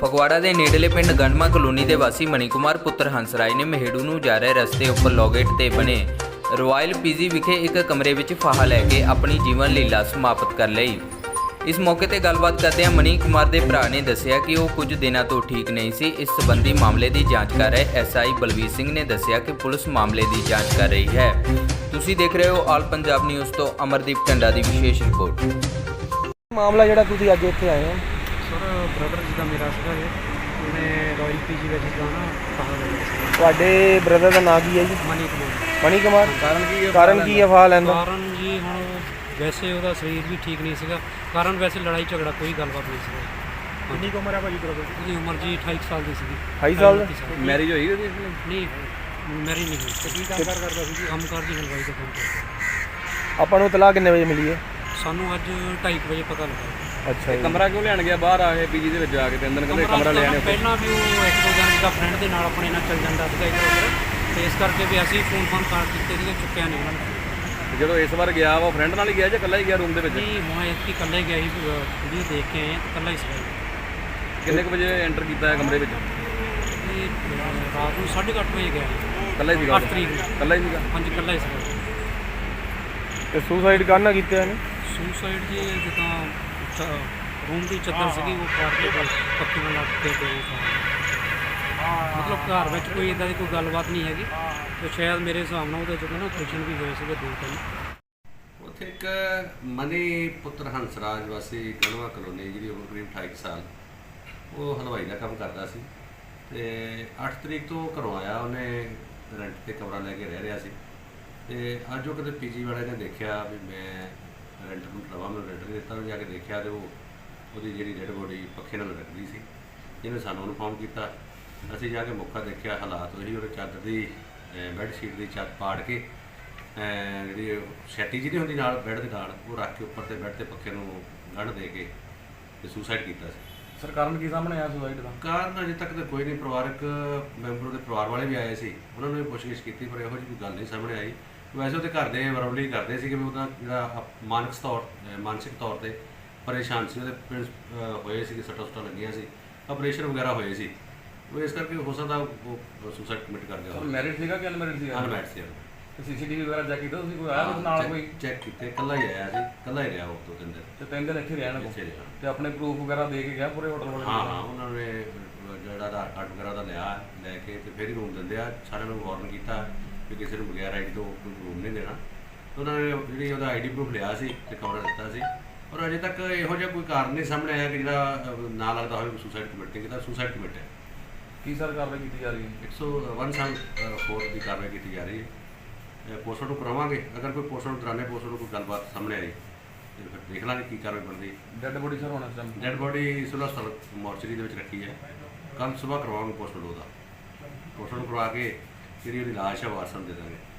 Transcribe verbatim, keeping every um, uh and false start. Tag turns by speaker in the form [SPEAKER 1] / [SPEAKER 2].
[SPEAKER 1] ਫਗਵਾੜਾ ਦੇ ਨੇੜਲੇ ਪਿੰਡ ਗੰਡਮਾ ਕਲੋਨੀ ਦੇ ਵਾਸੀ ਮਨੀ ਕੁਮਾਰ ਪੁੱਤਰ ਹੰਸ ਰਾਏ ਨੇ ਮਹੇੜੂ ਨੂੰ ਜਾ ਰਹੇ ਰਸਤੇ ਉੱਪਰ ਲੋਗੇਟ ਤੇ ਬਣੇ ਰਾਇਲ ਪੀਜੀ ਵਿਖੇ ਇੱਕ ਕਮਰੇ ਵਿੱਚ ਫਾਹਾ ਲੈ ਕੇ ਆਪਣੀ ਜੀਵਨ ਲੀਲਾ ਸਮਾਪਤ ਕਰ ਲਈ। ਇਸ ਮੌਕੇ ਤੇ ਗੱਲਬਾਤ ਕਰਦਿਆਂ ਮਨੀ ਕੁਮਾਰ ਦੇ ਭਰਾ ਨੇ ਦੱਸਿਆ ਕਿ ਉਹ ਕੁਝ ਦਿਨਾਂ ਤੋਂ ਠੀਕ ਨਹੀਂ ਸੀ। ਇਸ ਸੰਬੰਧੀ ਮਾਮਲੇ ਦੀ ਜਾਂਚ ਕਰ ਰਹੇ ਐਸਆਈ ਬਲਵੀਰ ਸਿੰਘ ਨੇ ਦੱਸਿਆ ਕਿ ਪੁਲਿਸ ਮਾਮਲੇ ਦੀ ਜਾਂਚ ਕਰ ਰਹੀ ਹੈ। ਤੁਸੀਂ ਦੇਖ ਰਹੇ ਹੋ ਆਲ ਪੰਜਾਬ ਨਿਊਜ਼ ਤੋਂ ਅਮਰਦੀਪ ਟੰਡਾ ਦੀ ਵਿਸ਼ੇਸ਼ ਰਿਪੋਰਟ।
[SPEAKER 2] ਮਾਮਲਾ ਜਿਹੜਾ ਤੁਸੀਂ ਅੱਜ ਇੱਥੇ ਆਏ ਹੋ
[SPEAKER 3] ਸਰ ਬ੍ਰਦਰ ਜਿੱਦਾਂ ਮੇਰਾ ਸੀਗਾ ਜੀ, ਉਹਨੇ ਰਾਇਲ ਪੀਜੀ ਵਿੱਚ ਜਾਣਾ ਫਾਹਾ ਲੈਣਾ ਸੀ।
[SPEAKER 2] ਤੁਹਾਡੇ ਬ੍ਰਦਰ ਦਾ ਨਾਂ ਕੀ ਹੈ ਜੀ?
[SPEAKER 3] ਮਨੀ ਕੁਮਾਰ।
[SPEAKER 2] ਮਨੀ ਕੁਮਾਰ।
[SPEAKER 3] ਕਾਰਨ ਕੀ ਹੈ?
[SPEAKER 2] ਕਾਰਨ ਕੀ ਹੈ ਫਾਹਾ ਲੈਂਦਾ?
[SPEAKER 3] ਕਾਰਨ ਜੀ ਹੁਣ ਵੈਸੇ ਉਹਦਾ ਸਰੀਰ ਵੀ ਠੀਕ ਨਹੀਂ ਸੀਗਾ। ਕਾਰਨ ਵੈਸੇ ਲੜਾਈ ਝਗੜਾ ਕੋਈ ਗੱਲਬਾਤ ਨਹੀਂ ਸੀਗਾ।
[SPEAKER 2] ਕਿੰਨੀ ਉਮਰ ਹੈ ਭਾਜੀ ਬ੍ਰਦਰ ਦੀ?
[SPEAKER 3] ਉਹਦੀ ਉਮਰ ਜੀ ਅਠਾਈ ਸਾਲ ਦੀ ਸੀਗੀ।
[SPEAKER 2] ਅਠਾਈ ਸਾਲ?
[SPEAKER 3] ਮੈਰਿਜ ਹੋਈ ਉਹਦੀ? ਨਹੀਂ, ਮੈਰਿਜ ਨਹੀਂ ਹੋਈ। ਤੇ ਕੀ ਕੰਮ ਕਾਰ ਕਰਦਾ ਸੀ? ਕੰਮ ਕਾਰ ਦੀ ਹਲਵਾਈ ਦਾ ਕੰਮ ਕਰਦਾ।
[SPEAKER 2] ਆਪਾਂ ਨੂੰ ਤਲਾਕ ਕਿੰਨੇ ਵਜੇ ਮਿਲੀ ਹੈ?
[SPEAKER 3] ਸਾਨੂੰ ਅੱਜ ਢਾਈ ਵਜੇ ਪਤਾ ਲੱਗਾ।
[SPEAKER 2] ਅੱਛਾ ਜੀ।
[SPEAKER 4] ਕਮਰਾ ਕਿਉਂ ਲੈਣ ਗਿਆ ਬਾਹਰ ਆ ਕੇ ਪੀਜੀ ਦੇ ਵਿੱਚ ਜਾ ਕੇ? ਤਿੰਨ ਦਿਨ ਕਹਿੰਦੇ ਕਮਰਾ ਲੈ ਆਣੇ।
[SPEAKER 3] ਪਹਿਲਾਂ ਵੀ ਉਹ ਇੱਕ ਦੋ ਦਿਨ ਦਾ ਫਰੈਂਡ ਦੇ ਨਾਲ ਆਪਣੇ ਨਾਲ ਚੱਲ ਜਾਂਦਾ ਸੀਗਾ ਇੱਧਰ ਉੱਧਰ, ਤੇ ਇਸ ਕਰਕੇ ਵੀ ਅਸੀਂ ਫੋਨ ਫੋਨ ਕਰ ਦਿੱਤੇ ਸੀਗੇ, ਚੁੱਕਿਆ ਨਹੀਂ ਉਹਨਾਂ ਨੇ।
[SPEAKER 4] ਜਦੋਂ ਇਸ ਵਾਰ ਗਿਆ ਵਾ ਫਰੈਂਡ ਨਾਲ ਹੀ ਗਿਆ ਜਾਂ ਇਕੱਲਾ ਹੀ ਗਿਆ ਰੂਮ ਦੇ ਵਿੱਚ?
[SPEAKER 3] ਨਹੀਂ, ਮੈਂ ਇੱਥੇ ਇਕੱਲਾ ਹੀ ਗਿਆ ਸੀ, ਵੀਡੀਓ ਦੇਖ ਕੇ ਆਏ ਹਾਂ, ਇਕੱਲਾ ਹੀ ਸੀਗਾ।
[SPEAKER 4] ਕਿੰਨੇ ਕੁ ਵਜੇ ਐਂਟਰ ਕੀਤਾ ਹੈ ਕਮਰੇ ਵਿੱਚ?
[SPEAKER 3] ਇਹ ਰਾਤ ਨੂੰ ਸਾਢੇ ਕੁ ਅੱਠ ਵਜੇ ਗਿਆ ਸੀ।
[SPEAKER 4] ਇਕੱਲਾ ਹੀ ਸੀਗਾ?
[SPEAKER 3] ਅੱਠ ਤਰੀਕ ਨੂੰ।
[SPEAKER 4] ਇਕੱਲਾ ਹੀ ਸੀਗਾ?
[SPEAKER 3] ਹਾਂਜੀ, ਇਕੱਲਾ ਹੀ ਸੀਗਾ।
[SPEAKER 2] ਤੇ ਸੁਸਾਈਡ ਕਰਨਾ ਕੀਤਾ ਇਹਨੇ?
[SPEAKER 3] ਸੁਸਾਈਡ ਜੀ ਜਿੱਦਾਂ ਰੂਮ ਦੀ ਚੱਦਰ ਸੀਗੀ, ਉਹ ਪਾੜ ਕੇ ਪੱਕੀ ਨਾਲ ਲੱਗ ਕੇ ਤੇ ਮਤਲਬ ਘਰ ਵਿੱਚ ਕੋਈ ਇੱਦਾਂ ਦੀ ਕੋਈ ਗੱਲਬਾਤ ਨਹੀਂ ਹੈਗੀ। ਤੇ ਸ਼ਾਇਦ ਮੇਰੇ ਹਿਸਾਬ ਨਾਲ ਉਹਦੇ ਜਦੋਂ ਨਾ ਆਪਰੇਸ਼ਨ ਵੀ ਹੋਏ ਸੀਗੇ ਦੋ ਤਿੰਨ।
[SPEAKER 5] ਉੱਥੇ ਇੱਕ ਮਨੀ ਪੁੱਤਰ ਹੰਸਰਾਜ ਵਾਸੀ ਗੰਡਮਾ ਕਲੋਨੀ, ਜਿਹਦੀ ਉਮਰ ਕਰੀਬ ਅਠਾਈ ਸਾਲ, ਉਹ ਹਲਵਾਈ ਦਾ ਕੰਮ ਕਰਦਾ ਸੀ ਤੇ ਅੱਠ ਤਰੀਕ ਤੋਂ ਘਰੋਂ ਆਇਆ। ਉਹਨੇ ਰੈਂਟ 'ਤੇ ਕਮਰਾ ਲੈ ਕੇ ਰਹਿ ਰਿਹਾ ਸੀ ਤੇ ਅੱਜ ਉਹ ਕਿਤੇ ਪੀਜੀ ਵਾਲੇ ਨੇ ਦੇਖਿਆ ਵੀ ਮੈਂ ਰੈਂਟ ਨੂੰ ਲਵਾਂ, ਮੈਨੂੰ ਰੈਂਟ ਨਹੀਂ ਦਿੱਤਾ। ਉਹਨੇ ਜਾ ਕੇ ਦੇਖਿਆ ਤੇ ਉਹ ਉਹਦੀ ਜਿਹੜੀ ਡੈਡ ਬੋਡੀ ਪੱਖੇ ਨਾਲ ਲਟਕਦੀ ਸੀ। ਇਹਨੇ ਸਾਨੂੰ ਇਨਫੋਰਮ ਕੀਤਾ। ਅਸੀਂ ਜਾ ਕੇ ਮੌਕਾ ਦੇਖਿਆ, ਹਾਲਾਤ ਉਹੀ, ਉਹਦੇ ਚਾਦਰ ਦੀ ਬੈੱਡ ਸ਼ੀਟ ਦੀ ਛੱਤ ਪਾੜ ਕੇ ਜਿਹੜੀ ਸੈਟੀ ਜਿਹੀ ਹੁੰਦੀ ਨਾਲ ਬੈੱਡ ਦੇ ਨਾਲ, ਉਹ ਰੱਖ ਕੇ ਉੱਪਰ ਤੇ ਬੈੱਡ ਤੇ ਪੱਖੇ ਨੂੰ ਗੰਢ ਦੇ ਕੇ ਤੇ ਸੁਸਾਈਡ ਕੀਤਾ ਸੀ।
[SPEAKER 4] ਸਰ ਕਾਰਨ ਕੀ ਸਾਹਮਣੇ ਆਇਆ ਸੁਸਾਈਡ ਦਾ?
[SPEAKER 5] ਕਾਰਨ ਅਜੇ ਤੱਕ ਤਾਂ ਕੋਈ ਨਹੀਂ। ਪਰਿਵਾਰਕ ਮੈਂਬਰ ਦੇ ਪਰਿਵਾਰ ਵਾਲੇ ਵੀ ਆਏ ਸੀ, ਉਹਨਾਂ ਨੇ ਵੀ ਪੁੱਛਗਿੱਛ ਕੀਤੀ, ਪਰ ਇਹੋ ਜਿਹੀ ਕੋਈ ਗੱਲ ਨਹੀਂ ਸਾਹਮਣੇ ਆਈ। ਵੈਸੇ ਉਹਦੇ ਘਰ ਦੇ ਵਰਬਲੀ ਕਰਦੇ ਸੀ ਕਿ ਉਹਦਾ ਜਿਹੜਾ ਮਾਨਸਿਕ ਤੌਰ ਮਾਨਸਿਕ ਤੌਰ 'ਤੇ ਪਰੇਸ਼ਾਨ ਸੀ। ਉਹਦੇ ਹੋਏ ਸੀ, ਸੱਟਾਂ ਸੁੱਟਾਂ ਲੱਗੀਆਂ ਸੀ, ਆਪਰੇਸ਼ਨ ਵਗੈਰਾ ਹੋਏ ਸੀ। ਉਹ ਇਸ ਕਰਕੇ ਹੋ ਸਕਦਾ ਉਹ ਸੁਸਾਈਡ ਕਮਿਟ ਕਰ ਗਿਆ।
[SPEAKER 4] ਮੈਰਿਡ ਸੀਗਾ ਕਿ ਅਨਮੈਰਿਡ ਸੀਗਾ?
[SPEAKER 5] ਅਨਮੈਰਿਡ ਸੀ।
[SPEAKER 4] ਸੀਸੀਟੀਵੀ ਵਗੈਰਾ ਚੈੱਕ ਕੀਤਾ ਤੁਸੀਂ? ਕੋਈ ਆਇਆ ਕੁਝ ਨਾਲ? ਕੋਈ
[SPEAKER 5] ਚੈੱਕ ਕੀਤੇ, ਇਕੱਲਾ ਹੀ ਆਇਆ ਸੀ, ਇਕੱਲਾ ਹੀ ਰਿਹਾ ਉਹ ਦੋ ਤਿੰਨ ਦਿਨ।
[SPEAKER 4] ਤੇ ਤਿੰਨ ਦਿਨ ਇੱਥੇ ਰਿਹਾ ਨਾ?
[SPEAKER 5] ਇੱਥੇ ਰਿਹਾ।
[SPEAKER 4] ਤੇ ਆਪਣੇ ਪ੍ਰੂਫ ਵਗੈਰਾ ਦੇ ਕੇ ਗਿਆ ਪੂਰੇ ਹੋਟਲ ਵਾਲੇ?
[SPEAKER 5] ਹਾਂ ਹਾਂ, ਉਹਨਾਂ ਨੇ ਜਿਹੜਾ ਆਧਾਰ ਕਾਰਡ ਵਗੈਰਾ ਦਾ ਲਿਆ, ਲੈ ਕੇ ਤੇ ਫਿਰ ਹੀ ਰੂਮ ਦਿੰਦੇ ਆ। ਸਾਰਿਆਂ ਨੂੰ ਵਾਰਨ ਕੀਤਾ ਵੀ ਕਿਸੇ ਨੂੰ ਬਗੈਰ ਆਈ ਡੀ ਤੋਂ ਰੂਮ ਨਹੀਂ ਦੇਣਾ। ਉਹਨਾਂ ਨੇ ਜਿਹੜੀ ਉਹਦਾ ਆਈ ਡੀ ਪ੍ਰੂਫ ਲਿਆ ਸੀ ਤੇ ਕਮਰਾ ਦਿੱਤਾ ਸੀ। ਔਰ ਅਜੇ ਤੱਕ ਇਹੋ ਜਿਹਾ ਕੋਈ ਕਾਰਨ ਨਹੀਂ ਸਾਹਮਣੇ ਆਇਆ ਕਿ ਜਿਹੜਾ ਨਾ ਲੱਗਦਾ ਹੋਵੇ ਸੁਸਾਈਡ ਕਮਿਟ ਨਹੀਂ ਕੀਤਾ। ਸੁਸਾਈਡ ਕਮਿਟ ਹੈ।
[SPEAKER 4] ਕੀ ਸਰ ਕਾਰਵਾਈ ਕੀਤੀ ਜਾ ਰਹੀ ਹੈ?
[SPEAKER 5] ਇੱਕ ਸੌ ਵਨ ਸਾਲ ਫੋਰ ਦੀ ਕਾਰਵਾਈ ਕੀਤੀ ਜਾ ਰਹੀ ਹੈ। ਪੋਸਟਮਾਰਟਮ ਕਰਾਵਾਂਗੇ। ਅਗਰ ਕੋਈ ਪੋਸਟਮਾਰਟਮ ਦੌਰਾਨੇ ਪੋਸਟਮਾਰਟਮ ਕੋਈ ਗੱਲਬਾਤ ਸਾਹਮਣੇ ਆਈ ਤੇ ਫਿਰ ਦੇਖ ਲਾਂਗੇ ਕੀ ਕਾਰਵਾਈ ਬਣਦੀ।
[SPEAKER 4] ਡੈੱਡ ਬੋਡੀ ਸਰ ਹੋਣਾ ਚਾਹੀਦਾ?
[SPEAKER 5] ਡੈਡ ਬੋਡੀ ਸਿਵਲ ਹਸਪਤਾਲ ਮੋਰਚਰੀ ਦੇ ਵਿੱਚ ਰੱਖੀ ਹੈ। ਕੱਲ੍ਹ ਸੁਬਾਹ ਕਰਵਾਵਾਂਗੇ ਪੋਸਟਮਾਰਟਮ ਉਹਦਾ। ਪੋਸਟਮਾਰਟਮ ਕਰਵਾ ਕੇ ਜਿਹੜੀ ਉਹਦੀ ਲਾਸ਼ ਹੈ ਵਾਰਸਾਂ ਨੂੰ ਦੇ ਦਾਂਗੇ।